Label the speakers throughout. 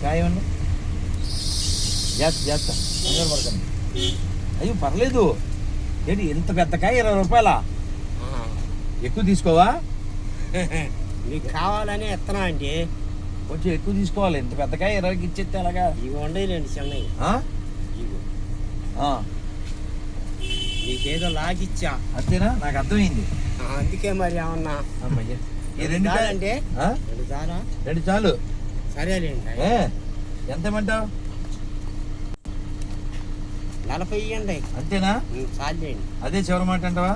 Speaker 1: కాయ ఇవ్వండి. జాగ్రత్త కంగారు పడకండి. అయ్యో పర్లేదు. ఏంటి ఇంత పెద్ద కాయ 20 రూపాయలా? ఎక్కువ తీసుకోవా?
Speaker 2: మీకు కావాలని ఎత్తనా అండి.
Speaker 1: కొంచెం ఎక్కువ తీసుకోవాలి. ఇంత పెద్ద కాయ 20కి ఇచ్చేస్తే అలాగా?
Speaker 2: ఇవి ఉండేయండి చిన్నవి. ఇవి నీకేదో లాగిచ్చా
Speaker 1: అంతేనా? నాకు అర్థమైంది.
Speaker 2: అందుకే మరి ఏమన్నా
Speaker 1: అమ్మయ్య ఈ 2
Speaker 2: కావాలంటే 2 చాలా
Speaker 1: 2 చాలు.
Speaker 2: సరేలేండి.
Speaker 1: ఎంత ఇమ్మంటావు?
Speaker 2: 40 ఇవ్వండి.
Speaker 1: అంతేనా?
Speaker 2: చాలండి.
Speaker 1: అదే చివరి మాట అంటావా?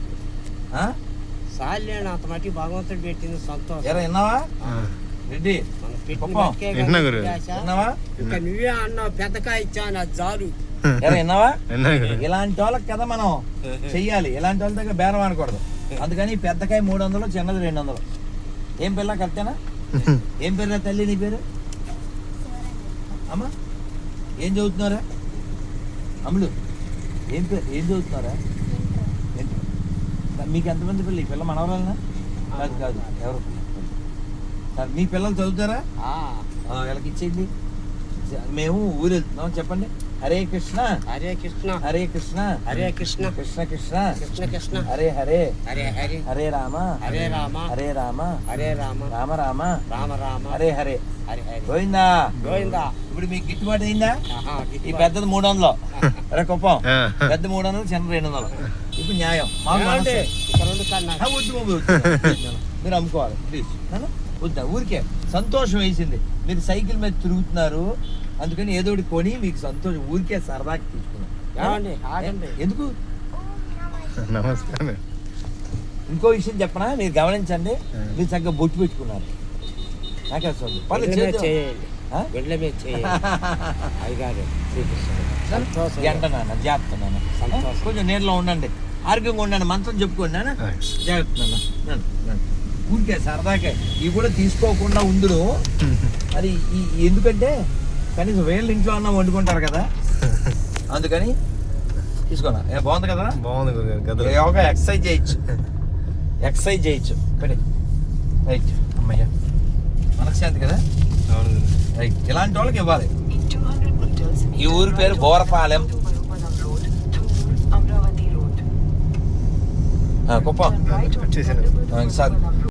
Speaker 2: చాలండి. అంత మట్టి భగవంతుడు పెట్టింది సంతోషం.
Speaker 1: ఎరా విన్నావా రెడ్డి? విన్నావా?
Speaker 2: ఇంకా నువ్వే అన్నావు పెద్దకాయ ఇచ్చాను అది చాలు.
Speaker 1: ఎరా విన్నావా? ఇలాంటి వాళ్ళకి కదా మనం చెయ్యాలి. ఇలాంటి వాళ్ళ దగ్గర బేరం ఆడకూడదు. అందుకని పెద్దకాయ 300, చిన్నది 200. ఏం పిల్ల కరెక్టేనా? ఏం పేరు తల్లి నీ పేరు? అమ్మా ఏం చదువుతున్నారా? అమ్ముడు ఏం పేరు? ఏం చదువుతున్నారా? మీకు ఎంతమంది పిల్లలు? ఈ పిల్ల మనవరాలనా? కాదు కాదు ఎవరు? మీ పిల్లలు చదువుతారా? వీళ్ళకి ఇచ్చేయండి. మేము ఊరు వెళ్తున్నాం. చెప్పండి. హరే కృష్ణ
Speaker 2: హరే కృష్ణ
Speaker 1: హరే కృష్ణ
Speaker 2: హరే కృష్ణ
Speaker 1: కృష్ణ కృష్ణ
Speaker 2: కృష్ణ కృష్ణ
Speaker 1: హరే హరే
Speaker 2: హరే హరే
Speaker 1: హరే రామ
Speaker 2: హరే రామ
Speaker 1: హరే రామ
Speaker 2: హరే రామ
Speaker 1: రామ రామ
Speaker 2: రామ రామ
Speaker 1: హరే హరే
Speaker 2: హరే హరే
Speaker 1: గోవిందా
Speaker 2: గోవిందా.
Speaker 1: ఇప్పుడు మీకు గిట్టుబాటు అయిందా? ఈ పెద్దది 300. అరే కుప్పం పెద్ద 300, చిన్న 200. ఇప్పుడు న్యాయం. మీరు అమ్ముకోవాలి ప్లీజ్. వద్దా? ఊరికే సంతోషం వేసింది. మీరు సైకిల్ మీద తిరుగుతున్నారు అందుకని ఏదో ఒకటి కొని మీకు సంతోషం. ఊరికే సరదాకి తీసుకున్నాం. ఎందుకు?
Speaker 3: నమస్కారం.
Speaker 1: ఇంకో విషయం చెప్పనా? మీరు గమనించండి. మీరు చక్కగా బొట్టు పెట్టుకున్నారు. నాకే గంట నాన్న జాగ్రత్త నాన్న. కొంచెం నీళ్ళలో ఉండండి. ఆరోగ్యంగా ఉండండి. మంత్రం చెప్పుకోండి నాన్న. జాగ్రత్త నాన్న. ఊరికే సరదాకే ఇవి కూడా తీసుకోకుండా ఉందును. మరి ఎందుకంటే కనీసం వీళ్ళ ఇంట్లో అన్న వండుకుంటారు కదా, అందుకని తీసుకోనా. బాగుంది కదా?
Speaker 3: బాగుంది.
Speaker 1: యోగా ఎక్సర్సైజ్ చేయొచ్చు. పెట్టి రైట్. అమ్మయ్య మనశ్శాంతి కదా. రైట్. ఇలాంటి వాళ్ళకి ఇవ్వాలి. ఈ ఊరి పేరు బోరపాలెం. కుప్పం. సార్